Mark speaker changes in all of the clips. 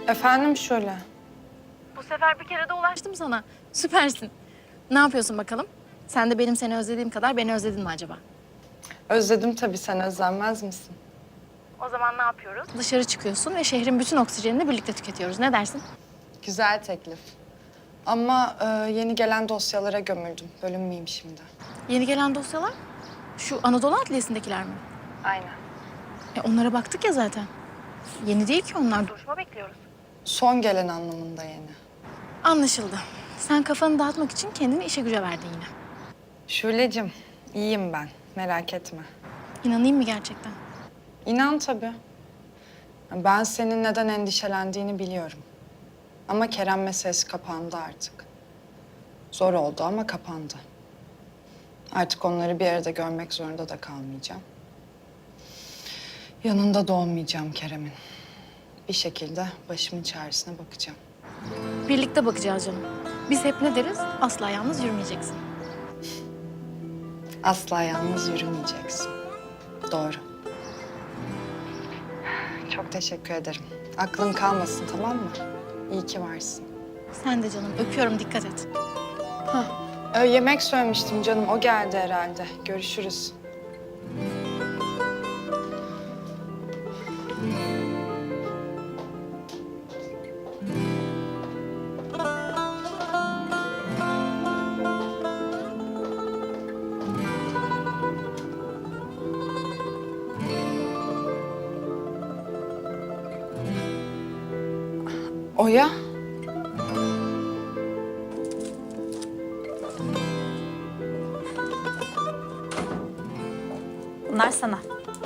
Speaker 1: Efendim Şule.
Speaker 2: Bu sefer bir kere de ulaştım sana. Süpersin. Ne yapıyorsun bakalım? Sen de benim seni özlediğim kadar beni özledin mi acaba?
Speaker 1: Özledim tabii, sen özlenmez misin?
Speaker 2: O zaman ne yapıyoruz? Dışarı çıkıyorsun ve şehrin bütün oksijenini birlikte tüketiyoruz. Ne dersin?
Speaker 1: Güzel teklif. Ama yeni gelen dosyalara gömüldüm. Bölünmeyeyim şimdi.
Speaker 2: Yeni gelen dosyalar şu Anadolu Adliyesi'ndekiler mi?
Speaker 1: Aynen.
Speaker 2: Onlara baktık ya zaten. Yeni değil ki onlar. Duruşma bekliyoruz.
Speaker 1: Son gelen anlamında yeni.
Speaker 2: Anlaşıldı. Sen kafanı dağıtmak için kendini işe güce verdin yine.
Speaker 1: Şule'cim, iyiyim ben. Merak etme.
Speaker 2: İnanayım mı gerçekten?
Speaker 1: İnan tabii. Ben senin neden endişelendiğini biliyorum. Ama Kerem meselesi kapandı artık. Zor oldu ama kapandı. Artık onları bir arada görmek zorunda da kalmayacağım. Yanında da olmayacağım Kerem'in. Bir şekilde başımın çaresine bakacağım.
Speaker 2: Birlikte bakacağız canım. Biz hep ne deriz? Asla yalnız yürümeyeceksin.
Speaker 1: Asla yalnız yürümeyeceksin. Doğru. Çok teşekkür ederim. Aklın kalmasın, tamam mı? İyi ki varsın.
Speaker 2: Sen de canım. Öpüyorum. Dikkat et.
Speaker 1: Yemek söylemiştim canım. O geldi herhalde. Görüşürüz. Oya.
Speaker 3: Bunlar sana.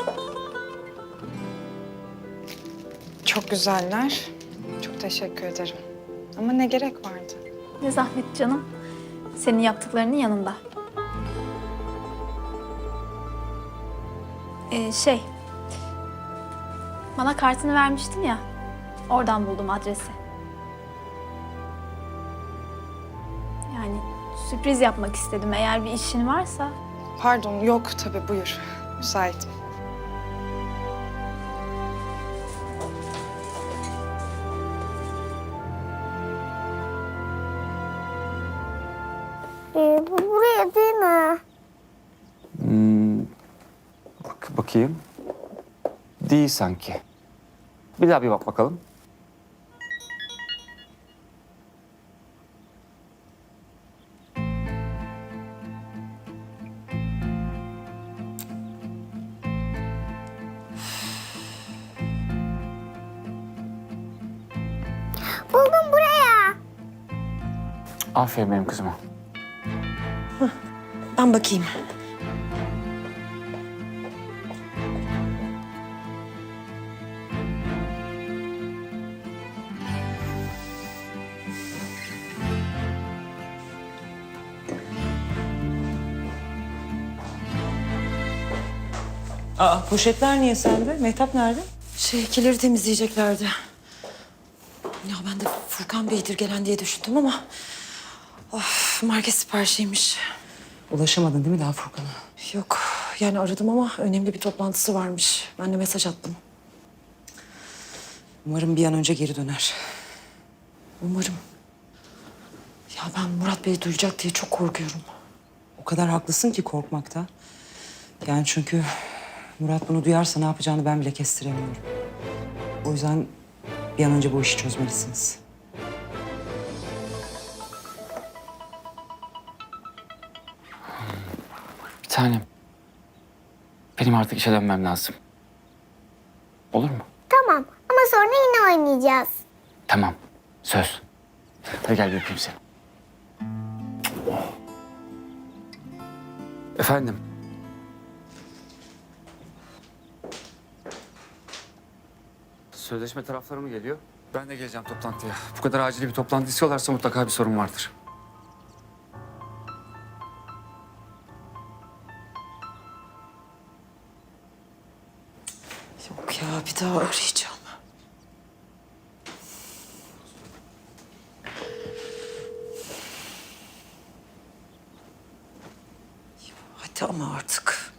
Speaker 1: Çok güzeller. Çok teşekkür ederim. Ama ne gerek vardı?
Speaker 3: Ne zahmet canım. Senin yaptıklarının yanında. Şey... Bana kartını vermiştin ya. Oradan buldum adresi. Yani sürpriz yapmak istedim. Eğer bir işin varsa...
Speaker 1: Pardon, yok tabii, buyur. Müsaitim.
Speaker 4: Bu buraya değil mi?
Speaker 5: Bakayım. Değil sanki. Bir daha bir bak bakalım.
Speaker 4: Buldum buraya.
Speaker 5: Aferin benim kızıma.
Speaker 6: Ben bakayım.
Speaker 7: Aa, poşetler niye sende? Mehtap nerede?
Speaker 6: Kileri temizleyeceklerdi. Ya ben de Furkan Bey'dir gelen diye düşündüm ama... Of, market siparişiymiş.
Speaker 7: Ulaşamadın değil mi daha Furkan'a?
Speaker 6: Yok, yani aradım ama önemli bir toplantısı varmış. Ben de mesaj attım.
Speaker 7: Umarım bir an önce geri döner.
Speaker 6: Umarım. Ya ben Murat Bey duyacak diye çok korkuyorum.
Speaker 7: O kadar haklısın ki korkmakta. Yani çünkü Murat bunu duyarsa ne yapacağını ben bile kestiremiyorum. O yüzden bir an önce bu işi çözmelisiniz.
Speaker 5: Bir tanem. Benim artık işe dönmem lazım. Olur mu?
Speaker 4: Tamam ama sonra yine oynayacağız.
Speaker 5: Tamam. Söz. Hadi gel bir öpeyim seni. Efendim? Sözleşme tarafları mı geliyor? Ben de geleceğim toplantıya. Bu kadar acil bir toplantı istiyorlarsa mutlaka bir sorun vardır.
Speaker 6: Yok ya, bir daha arayacağım. Hadi ama artık.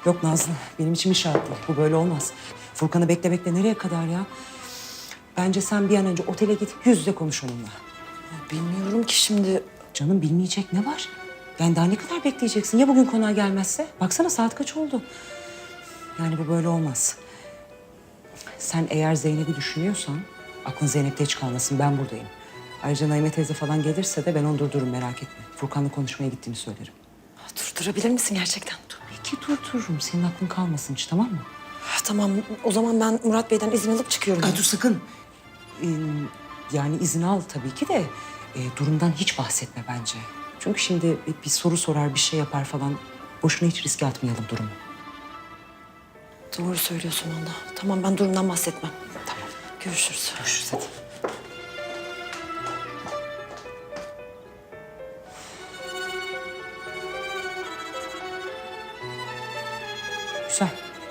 Speaker 7: Yok Nazlı, benim içim hiç rahat değil. Bu böyle olmaz. Furkan'ı bekle bekle nereye kadar ya? Bence sen bir an önce otele git, yüz yüze konuş onunla.
Speaker 6: Ya bilmiyorum ki şimdi.
Speaker 7: Canım bilmeyecek ne var? Yani daha ne kadar bekleyeceksin? Ya bugün konağa gelmezse? Baksana saat kaç oldu? Yani bu böyle olmaz. Sen eğer Zeynep'i düşünüyorsan aklın Zeynep'te hiç kalmasın. Ben buradayım. Ayrıca Naime teyze falan gelirse de ben onu durdururum merak etme. Furkan'la konuşmaya gittiğimi söylerim.
Speaker 6: Durdurabilir misin gerçekten?
Speaker 7: Tabii ki durdururum. Senin aklın kalmasın hiç tamam mı?
Speaker 6: Tamam, o zaman ben Murat Bey'den izin alıp çıkıyorum.
Speaker 7: Dur sakın. Yani izin al tabii ki de durumdan hiç bahsetme bence. Çünkü şimdi bir soru sorar, bir şey yapar falan. Boşuna hiç riske atmayalım durumu.
Speaker 6: Doğru söylüyorsun valla. Tamam, ben durumdan bahsetmem. Tamam. Görüşürüz.
Speaker 7: Görüşürüz hadi. Güzel.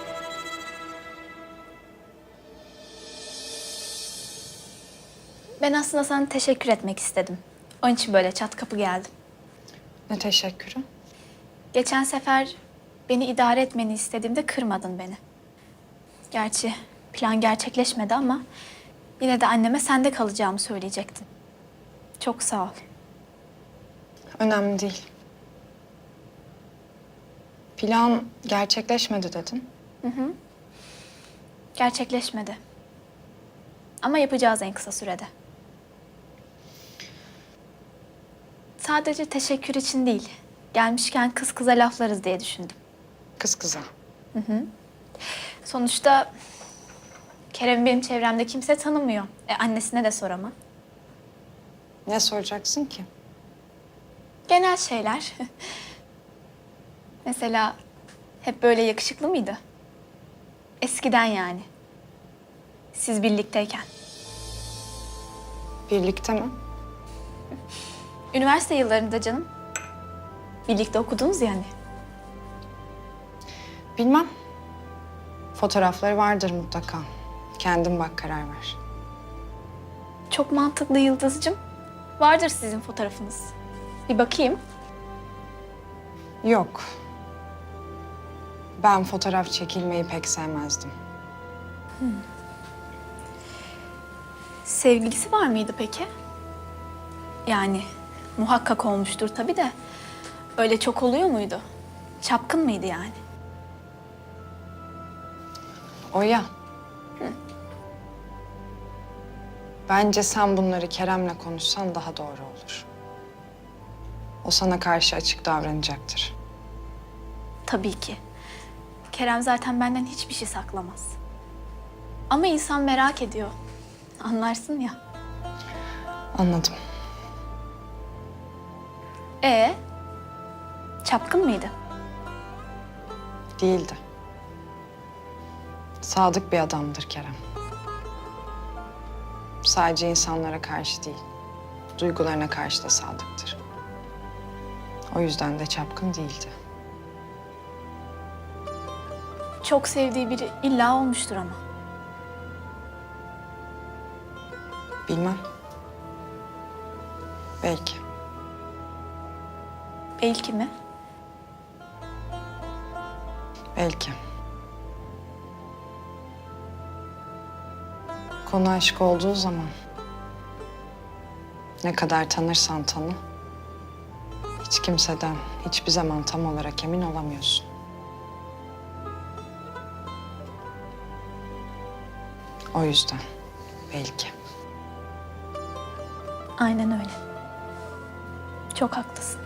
Speaker 3: Ben aslında sana teşekkür etmek istedim. Onun için böyle çat kapı geldim.
Speaker 1: Ne teşekkürü?
Speaker 3: Geçen sefer beni idare etmeni istediğimde kırmadın beni. Gerçi plan gerçekleşmedi ama yine de anneme sende kalacağımı söyleyecektin. Çok sağ ol.
Speaker 1: Önemli değil. Plan gerçekleşmedi dedin.
Speaker 3: Gerçekleşmedi. Ama yapacağız en kısa sürede. Sadece teşekkür için değil. Gelmişken kız kıza laflarız diye düşündüm.
Speaker 1: Kız kıza.
Speaker 3: Sonuçta Kerem benim çevremde kimse tanımıyor. Annesine de soramam.
Speaker 1: Ne soracaksın ki?
Speaker 3: Genel şeyler. Mesela hep böyle yakışıklı mıydı? Eskiden yani. Siz birlikteyken.
Speaker 1: Birlikte mi?
Speaker 3: Üniversite yıllarında canım. Birlikte okudunuz yani.
Speaker 1: Bilmem. Fotoğrafları vardır mutlaka. Kendin bak karar ver.
Speaker 3: Çok mantıklı Yıldız'cığım. Vardır sizin fotoğrafınız. Bir bakayım.
Speaker 1: Yok. Ben fotoğraf çekilmeyi pek sevmezdim.
Speaker 3: Sevgilisi var mıydı peki? Yani muhakkak olmuştur tabii de. Öyle çok oluyor muydu? Çapkın mıydı yani?
Speaker 1: O ya. Bence sen bunları Kerem'le konuşsan daha doğru olur. O sana karşı açık davranacaktır.
Speaker 3: Tabii ki. Kerem zaten benden hiçbir şey saklamaz. Ama insan merak ediyor. Anlarsın ya.
Speaker 1: Anladım.
Speaker 3: Çapkın mıydı?
Speaker 1: Değildi. Sadık bir adamdır Kerem. Sadece insanlara karşı değil, duygularına karşı da sadıktır. O yüzden de çapkın değildi.
Speaker 3: Çok sevdiği biri illa olmuştur ama.
Speaker 1: Bilmem. Belki.
Speaker 3: Belki mi?
Speaker 1: Belki. Konu aşk olduğu zaman ne kadar tanırsan tanı, hiç kimseden hiçbir zaman tam olarak emin olamıyorsun. O yüzden belki.
Speaker 3: Aynen öyle. Çok haklısın.